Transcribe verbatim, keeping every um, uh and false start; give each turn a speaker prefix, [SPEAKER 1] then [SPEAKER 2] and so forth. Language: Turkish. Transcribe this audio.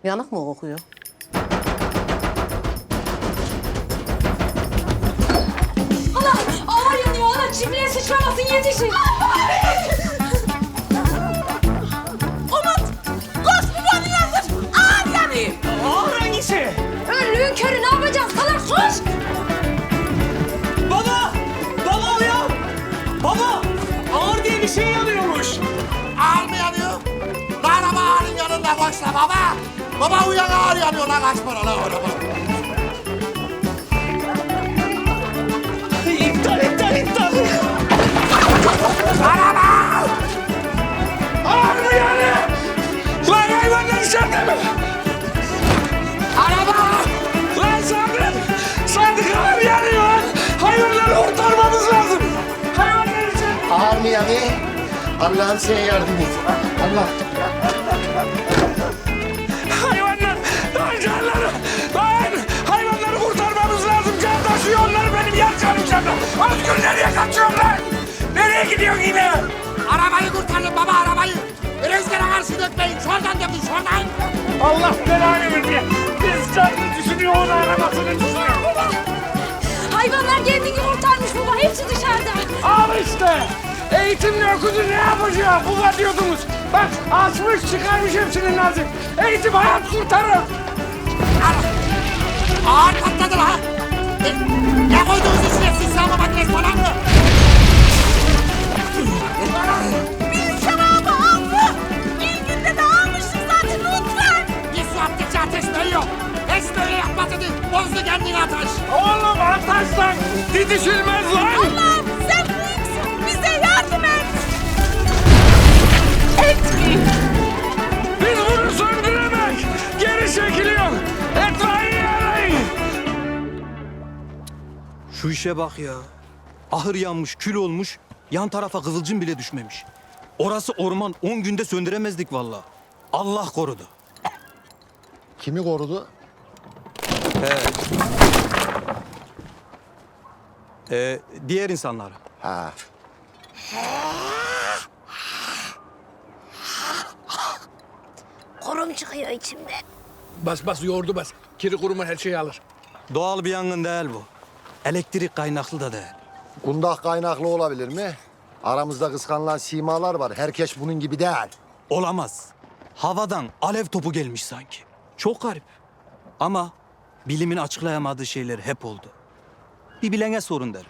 [SPEAKER 1] Yanık mı kokuyor?
[SPEAKER 2] Hala ağır yanıyor hala. Çimliğe sıçramasın yetişin. Umut koş babanı yandır. Ağır yanıyor.
[SPEAKER 3] Ağır hangisi?
[SPEAKER 2] Önlüğün körü ne yapacağız salak koş.
[SPEAKER 3] Baba! Baba uyan! Baba! Ağır diye bir şey yanıyormuş.
[SPEAKER 4] Ağır mı yanıyor? Lan ama ağrın yanında koşla baba. Baba uyan ağır yanıyor lan kaç para lan orada.
[SPEAKER 3] İptal, iptal, iptal.
[SPEAKER 4] Araba!
[SPEAKER 3] Ağır mı yani? Lan hayvanlar içeride mi?
[SPEAKER 4] Araba!
[SPEAKER 3] Lan Sabri! Sandık ağır yanıyor lan! Hayvanları kurtarmamız lazım! Hayvanlar içeride!
[SPEAKER 4] Ağır mı yanıyor? Allah'ım sana yardım et. Allah.
[SPEAKER 3] Hayvanlar! Lan canları! Lan! Hayvanları kurtarmamız lazım! Can taşıyor onları benim yer canım canım! Özgür nereye kaçıyorsun lan? Nereye gidiyorsun yine?
[SPEAKER 4] Arabayı kurtarın baba arabayı. Rüzgara karşı dökmeyin. Şuradan dökün şuradan.
[SPEAKER 3] Allah belanı verdi. Biz canını düşünüyor, onun arabasını düşünüyor.
[SPEAKER 2] Hayvanlar kendini kurtarmış baba. Hepsi dışarıda.
[SPEAKER 3] Al işte! Eğitimle okudu ne yapacağım? Bu diyordunuz. Bak açmış çıkarmış hepsinin nazik. Eğitim hayat kurtarır.
[SPEAKER 4] Ağır patladı lan. E, ne koyduğunuz içine siz sağma makinesi falan mı?
[SPEAKER 2] Bir şarabı aldı. İlk günde de almıştık zaten lütfen.
[SPEAKER 4] Bir su attıkça ateş büyüyor. Hiç böyle yapma dedi. Bozdu kendini ateş.
[SPEAKER 3] Oğlum ataştan didişilmez lan.
[SPEAKER 2] Allah'ım sen büyüksün. Bize yardım et. Etmeyin.
[SPEAKER 3] Biz bunu söndüremek. Geri çekiliyor. Etfaiye arayın.
[SPEAKER 5] Şu işe bak ya. Ahır yanmış, kül olmuş. Yan tarafa kıvılcım bile düşmemiş. Orası orman. On günde söndüremezdik vallahi. Allah korudu.
[SPEAKER 4] Kimi korudu?
[SPEAKER 5] Ee, diğer insanlar.
[SPEAKER 4] Ha.
[SPEAKER 2] Korum çıkıyor içimde.
[SPEAKER 6] Bas bas yoğurdu bas. Kiri kuruma her şeyi alır.
[SPEAKER 5] Doğal bir yangın değil bu. Elektrik kaynaklı da değil.
[SPEAKER 4] Kundak kaynaklı olabilir mi? Aramızda kıskanılan simalar var. Herkes bunun gibi değil.
[SPEAKER 5] Olamaz. Havadan alev topu gelmiş sanki. Çok garip. Ama bilimin açıklayamadığı şeyler hep oldu. Bir bilene sorun derim.